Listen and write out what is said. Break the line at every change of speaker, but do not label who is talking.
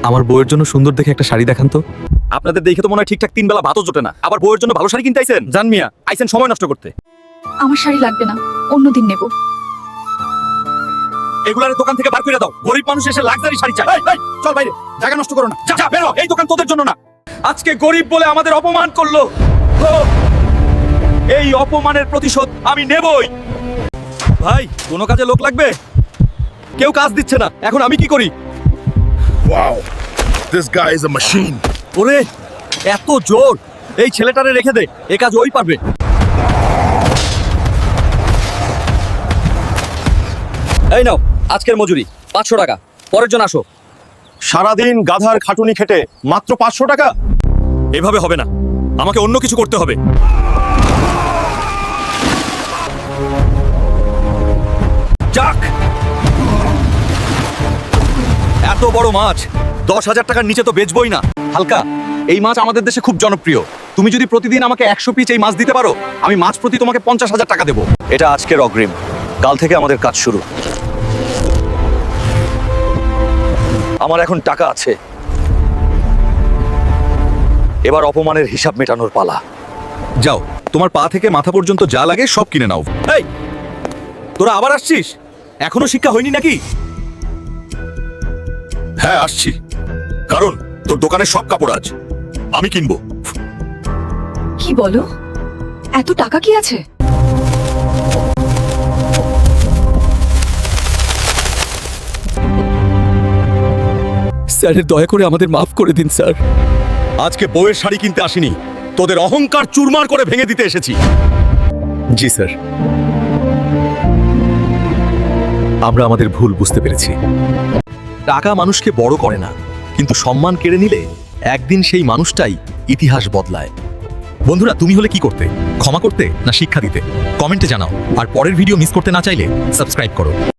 আমার বউয়ের জন্য সুন্দর দেখে একটা শাড়ি দেখান তো। আপনাদের দেখে তো মনে হয় ঠিকঠাক 3 বেলা ভাতও জোটে না, আবার বউয়ের জন্য ভালো শাড়ি কিনতে আইছেন? জান মিয়া, আইছেন সময় নষ্ট করতে।
আমার শাড়ি লাগবে না, অন্যদিন নেব।
এগুলার দোকান থেকে বার করে দাও, গরিব মানুষ এসে লাক্সারি শাড়ি চায়। এই, এই, চল বাইরে, জায়গা নষ্ট করো না, যা যা বেরো, এই দোকান তোদের জন্য না। আজকে গরিব বলে আমাদের অপমান করলো, ও, এই অপমানের প্রতিশোধ আমি নেবই। ভাই, কোনো কাজে লোক লাগবে? কেউ কাজ দিচ্ছে না, এখন আমি কি করি?
Wow, this guy is a machine.
ওরে, এত জোর! এই ছেলেটারে রেখে দে, এ কাজ ওই পারবে। এই নাও আজকের মজুরি 500 টাকা, পরের জন আসো।
সারাদিন গাধার খাটুনি খেটে মাত্র 500 টাকা?
এভাবে হবে না, আমাকে অন্য কিছু করতে হবে। যাক, এত বড় মাছ 10,000 টাকার নিচে তো বেচবই না। হালকা, এই মাছ আমাদের দেশে খুব জনপ্রিয়। তুমি যদি প্রতিদিন আমাকে 100 পিস এই মাছ দিতে পারো, আমি মাছ প্রতি তোমাকে 50,000 টাকা দেবো।
এটা আজকের অগ্রিম, কাল থেকে আমাদের কাজ শুরু। আমার এখন টাকা আছে, এবার অপমানের হিসাব মেটানোর পালা।
যাও, তোমার পা থেকে মাথা পর্যন্ত যা লাগে সব কিনে নাও। এই, তোরা আবার আসছিস? এখনো শিক্ষা হয়নি নাকি?
হ্যাঁ, আসছি, কারণ তোর দোকানে সব কাপড় আজ আমি কিনবো।
কি বলো? এত টাকা কি আছে?
স্যারের দয়া করে আমাদের মাফ করে দিন স্যার। আজকে বউয়ের শাড়ি কিনতে আসিনি, তোদের অহংকার চুরমার করে ভেঙে দিতে এসেছি। জি স্যার, আমরা আমাদের ভুল বুঝতে পেরেছি। টাকা মানুষকে বড় করে না, কিন্তু সম্মান কেড়ে নিলে একদিন সেই মানুষটাই ইতিহাস বদলায়। বন্ধুরা, তুমি হলে কি করতে? ক্ষমা করতে না শিক্ষা দিতে? কমেন্টে জানাও। আর পরের ভিডিও মিস করতে না চাইলে সাবস্ক্রাইব করো।